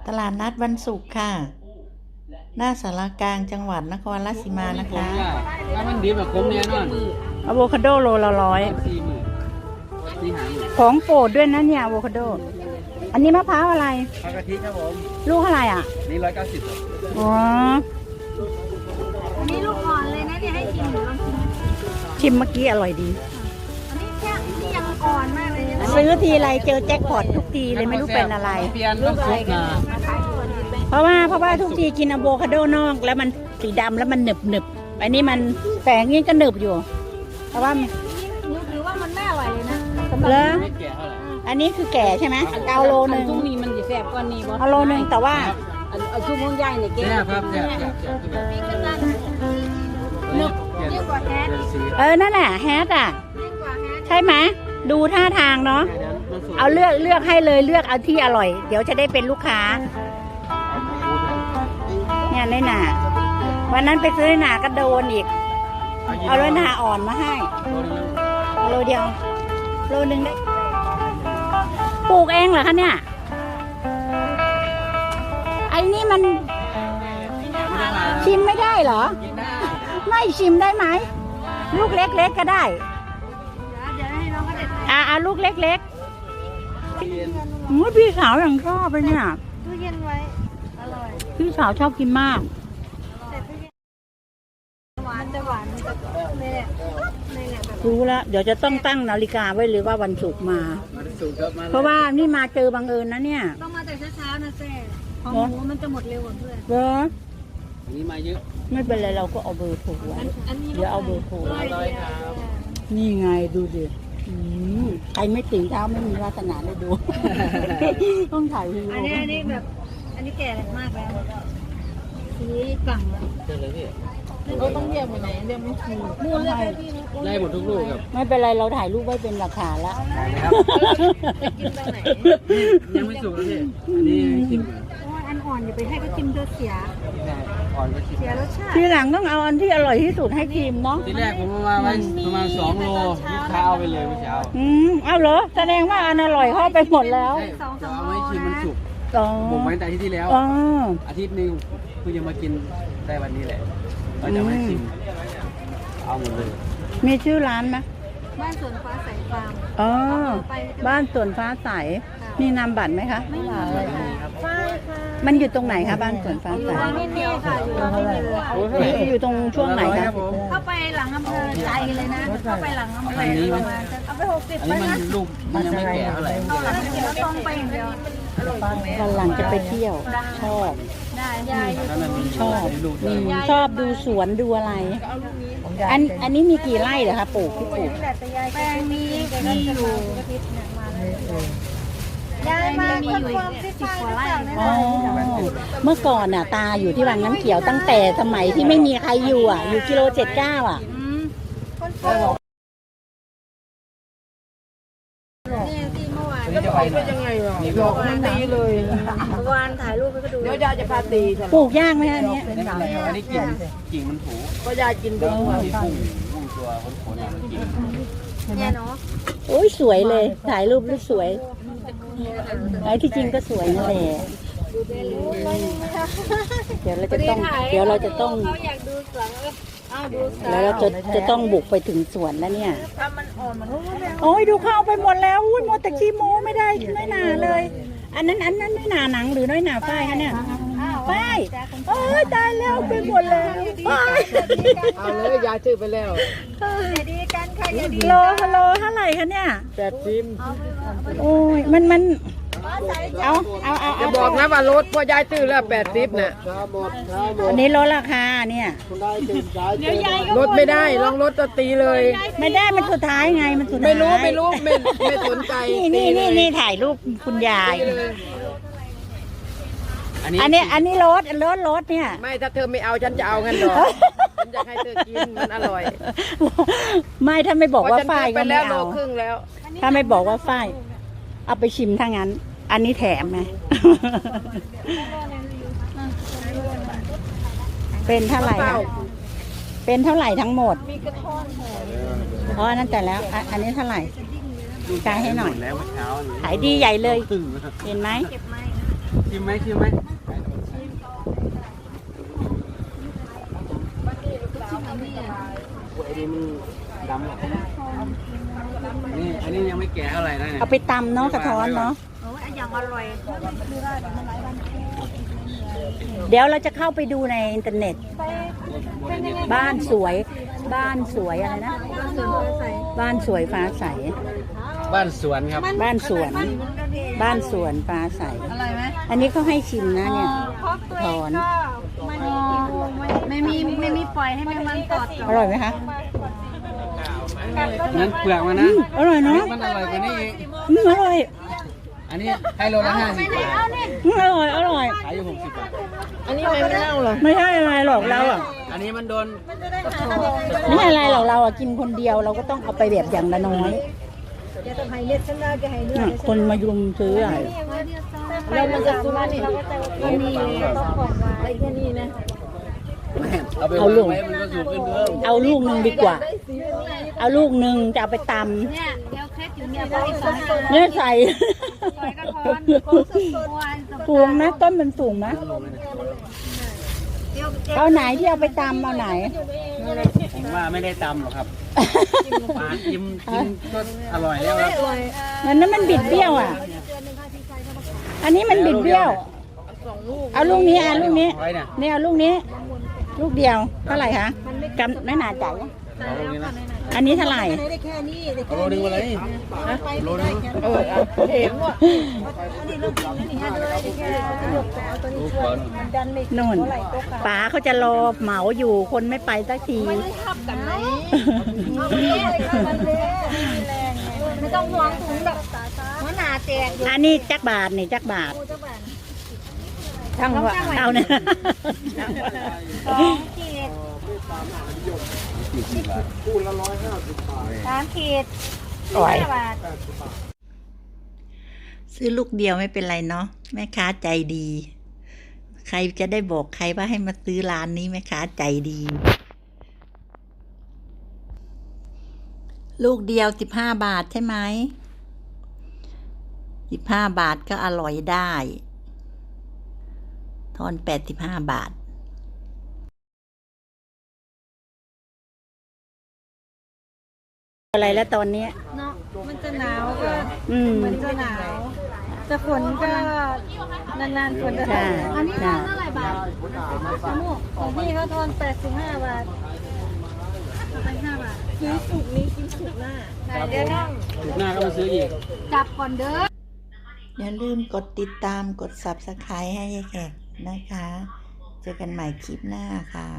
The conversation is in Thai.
ตลาดนัดวันศุกร์ค่ะ หน้าสารกลางจังหวัดนครราชสีมานะคะถ้ามันดีแบบผมแน่นอนอะโวคาโดโลละ100 40,000นี่หาอยู่ของโปรดด้วยนะเนี่ยอะโวคาโด อันนี้มะพร้าวอะไรปลากะทิครับผมลูกเท่าไหร่อ่ะนี่190ครับอ๋ออันนี้ลูกอ่อนเลยนะเนี่ยให้ชิมหนูลองชิมชิมเมื่อกี้อร่อยดีอันนี้แค่นี่ยังอ่อนมากเลยนะซื้อทีไรเจอแจ็คพอตทุกทีเลยไม่รู้เป็นอะไรเปลี่ยนต้องซุปนะมาขายส่วนนี้เป็นเพราะว่าทุกทีกินอะโวคาโดนอกแล้วมันสีดำแล้วมันหนึบอันนี้มันแฝงนี่ก็หนึบอยู่ เพราะว่านี่ถือว่ามันไม่อร่อยเลยนะสำหรับเลอไม่แก่เท่าไหร่อันนี้คือแก่ใช่ไหมเอาโลนึงช่วงนี้มันจะแสบกว่านี้บ่เอาโลนึงแต่ว่าอันช่วงของยายเนี่ยแกแซ่บครับแซ่บนี่ก็นั่นนึกเปลี่ยนเรียกว่าแฮทสีนั่นแหละแฮทอ่ะเรียกว่าแฮทใช่ไหมดูท่าทางเนาะเอาเลือกให้เลยเลือกเอาที่อร่อย เดี๋ยวจะได้เป็นลูกค้า เนี่ยน้อยหนาวันนั้นไปซื้อน้อยหนาก็โดนอีก เอาน้อยหนาอ่อนมาให้เอาโลเดียวโลนึงได้ปลูกเองเหรอคะเนี่ยไอ้นี่มันชิมไม่ได้เหรอ ไม่ชิมได้ไหมลูกเล็กๆก็ได้เดี๋ยวให้น้องเขาเด็ดลูกเล็กๆอุ๊ยพี่สาวอย่างชอบเลยเนี่ยตู้เย็นไว้อร่อยพี่สาวชอบกินมากแต่ตู้เย็นหวานจะหวานมันจะนี่แหละนี่แหละแบบรู้แล้วเดี๋ยวจะต้องตั้งนาฬิกาไว้เลยว่าวันศุกร์มามาสูตรครับมาเพราะว่านี่มาเจอบังเอิญนะเนี่ยต้องมาแต่เช้าๆนะแซ่ของหมูมันจะหมดเร็วกว่าเพื่อนเหรออันนี้มาเยอะไม่เป็นไรเราก็เอาเบอร์โทรไว้อันนี้เดี๋ยวเอาเบอร์โทรร้อยครับนี่ไงดูดิใครไม่ตื่นเช้าไม่มีวาสนาได้ดู ต้องถ่ายวีดีโออันนี้แบบอันนี้แก่มากแล้วสีกลั่งแล้วเจอเลยพี่เราต้องเรียกไปไหนเรียกไม่ถูกมูลเลยให้พี่นะได้หมดทุกลูกครับไม่เป็นไรเราถ่ายรูปไว้เป็นหลักฐานแล้วได้ไหมครับกินตรงไหนยังไม่สุกเลยพี่อันนี้ชิมก่อนเพราะว่าอันอ่อนอย่าไปให้เขาชิมเธอเสียอ่อนก็ชิมเสียรสชาติทีหลังต้องเอาอันที่อร่อยที่สุดให้ทีมเนาะทีแรกผมเอามาไว้ประมาณ2 โลลูกค้าเอาไปเลยเมื่อเช้าเอาเหรอแสดงว่าอันอร่อยเข้าไปหมดแล้วใช่จะเอาไว้ชิมมันสุกอ๋อผมไว้ตั้งแต่อาทิตย์ที่แล้วอ๋ออาทิตย์หนึงเพิ่งจะมากินได้วันนี้แหละก็จะไม่ชิมเอาหมดเลยมีชื่อร้านไหมบ้านสวนฟ้าใสฟาร์มอ๋อไปบ้านสวนฟ้าใสมีนามบัตรไหมคะไม่มีค่ะใช่ค่ะมันอยู่ตรงไหนคะบ้านสวนฟ้าอใสยู่ตรงนี้เดียวค่ะอยู่ตรงนี้เลยโอ้เท่าไหร่อยู่ตรงช่วงไหน 100 คะรับผมเข้าไปหลังอำเภอใจเลยนะเข้าไปหลังอำเภอประมาณเอาไป60 อันไปนี้มันนะลูกมันยังไม่แก่เท่าไหร่เข้าหลังเขียวตรงไปอย่างเดียววันหลังจะไปเที่ยว ชอบได้ยายอยู่แล้วมันมีชอบลูกด้วยชอบดูสวนดูอะไร อันนี้มีกี่ไร่เหรอคะปลูกที่ปลูกแปลงนี้มีอยู่ยายมาคนความคิดฟังหรือเปล่าเนี่ยอ๋อเมื่อก่อนน่ะตาอยู่ที่วังน้ำเขียวตั้งแต่สมัยที่ไม่มีใครอยู่อยู่กิโล79 คนโปรดนี่ที่เมื่อวานอันนี้จะไปไหนยังไงวะนี่ก็ตีเลยเมื่อวานถ่ายรูปให้เขาดูเดี๋ยวยายจะพาตีฉันปลูกยากไหมอันเนี้ยไม่เป็นไรครับอันนี้กิ่งมันถูก็ยายกินไปแล้วหัวมีพุ่งตัวขนๆมันกิ่งเนี่ยเนาะโอ้ยสวยเลย ถ่ายรูปแล้วสวยไอ้ที่จริงก็สวยนั่นแหละเดี๋ยวเราจะต้องเขาอยากดูสวนเอาดูสวนแล้วเราจะต้องบุกไปถึงสวนแล้วเนี่ยถ้ามันอ่อนมันก็ไม่โอ้ยดูเข้าไปหมดแล้วอุ้ยหมดแต่ขี้โม้ไม่ได้น้อยหนาเลย อันนั้นน้อยหนาหนังหรือน้อยหนาฝ้ายคะเนี่ยฝ้ายโอ้ยตายแล้วไปหมดแล้วฝ้ายเอาเลยยายซื้อไปแล้วอย่าดีกันค่ะอย่าดีโลฮัลโหลเท่าไหร่คะเนี่ย 80 โอ้ยมันเอาจะบอกนะว่ารถพ่อยายซื้อแล้ว80น่ะอันนี้ลดราคาเนี่ยรถไม่ได้ลองรถก็ตีเลยไม่ได้มันสุดท้ายไงมันสุดท้ายไม่รู้ไม่สนใจนี่ถ่ายรูปคุณยายตีเลยอันนี้รถเนี่ยไม่ถ้าเธอไม่เอาฉันจะเอางั้นหรอฉันอยากให้เธอกินมันอร่อยไม่ถ้าไม่บอกว่าฝ้ายเพก็ระฉันซื้อไปไม่แล้วโลเอาครึ่งแล้วถ้าไม่บอกว่าฝ้ายเอาไปชิมถ้างั้น อันนี้แถมไง เป็นเท่าไหร่คะเป็นเท่าไหร่ทั้งหมดอ๋อนั่นแต่แล้วอันนี้เท่าไหร่จ่ายให้หน่อยแล้วเมื่อเช้าขายดีใหญ่เลยตึงเห็นไหมเก็บไหมชิมไหมชิมไหมอันนี้อ่ะไอ้นี่มันดำหรอนี่อันนี้ยังไม่แก่เท่าไหร่นะเนี่ยเอาไปตำเนาะกระท้อนเนาะโอ้ยอย่างอร่อยคือว่าเดี๋ยวมันหลายวันเดี๋ยวเราจะเข้าไปดูในอินเทอร์เน็ตไปเป็นยังไงบ้านสวย บ้านสวยอะไรนะส่วนใส่บ้านสวยฟ้าใสบ้านสวนครับบ้านสวน บ้านสวนฟ้าใสอร่อยไหมอันนี้เขาให้ชิมนะเนี่ยเพราะตัวเองก็ไม่มีปล่อยให้แมงมันตอดอร่อยไหมคะนั้นเปลือกมันนะอร่อยเนาะมันอร่อยกว่านี้อีกอร่อยอันนี้ให้โลละ50 บาทอร่อย อร่อยขายอยู่60 บาทอันนี้ไม่เน่าเหรอไม่ใช่อะไรหรอกเราอ่ะอันนี้มันโดนไม่ใช่อะไรหรอกเราอ่ะกินคนเดียวเราก็ต้องเอาไปแบบอย่างละน้อยจะต้องให้เลือดฉันได้จะให้เลือดคนมายุมซื้ออ่ะแล้วมันจะสุดนี่มันมีต้องบอกว่าไอ้แค่นี้นะเอาไปวางไว้มันก็สูงขึ้นเพิ่มเอาลูกหนึ่งดีกว่า เอาลูกหนึ่งจะเอาไปตเนี่ยเดี๋ยวเคล็ดอยู่เนี่ยไปสอนำเนี่ยใส่ปล่อยกระท้อนสูงไหมต้นมันสูงไหมเอาไหนที่เอาไปตำเอาไหนผมว่าไม่ได้ตำหรอกครับปลาจิ้มก็อร่อยแล้วครับนั้นมันบิดเบี้ยวอ่ะ อันนี้มันบิดเบี้ยว เอาลูกนี้ลูกนี้ไว้เนี่ยเนี่ยเอาลูกนี้ ลูกเดียวเท่าไหร่คะกำไม่หนาจ่ายเอาโลนึงนะอันนี้เท่าไหร่ได้แค่นี้ได้เอาโลนึงมาเลยโลนึงเห็นว่ะอันนี้ลูกนี่ฮะเลยได้แค่ลูกเอาตัวนี้ช่วยมันดันไม่นู่นป๋าเขาจะรอเหมาอยู่คนไม่ไปสักทีทับกันไหมไม่ต้องห่วงถุงแบบหัวหน้าแจกอันนี้จักบาทนี่จักบาทช่างว่าเอาเนี่ย 2 ขีด 3 ขีดโอ้ย 5 บาทซื้อลูกเดียวไม่เป็นไรเนาะแม่ค้าใจดี ใครจะได้บอกใครว่าให้มาซื้อร้านนี้แม่ค้าใจดี ลูกเดียว15 บาทใช่ไหม15 บาทก็อร่อยได้ทอน85 บาท อะไรแล้วตอนนี้เนาะมันจะหนาวก็ มันจะหนาวแต่ฝนก็นานๆฝนจะใช่อันนี้ทอนเท่าไหร่บาทของพี่เขาทอน85 บาท85 บาทซื้อสุกนี้กินสุกหน้าเดี๋ยวต้องถูกหน้าก็มาซื้ออีกจับก่อนเด้ออย่าลืมกดติดตามกด Subscribe ให้ยายแขกนะคะ เจอกันใหม่คลิปหน้าค่ะ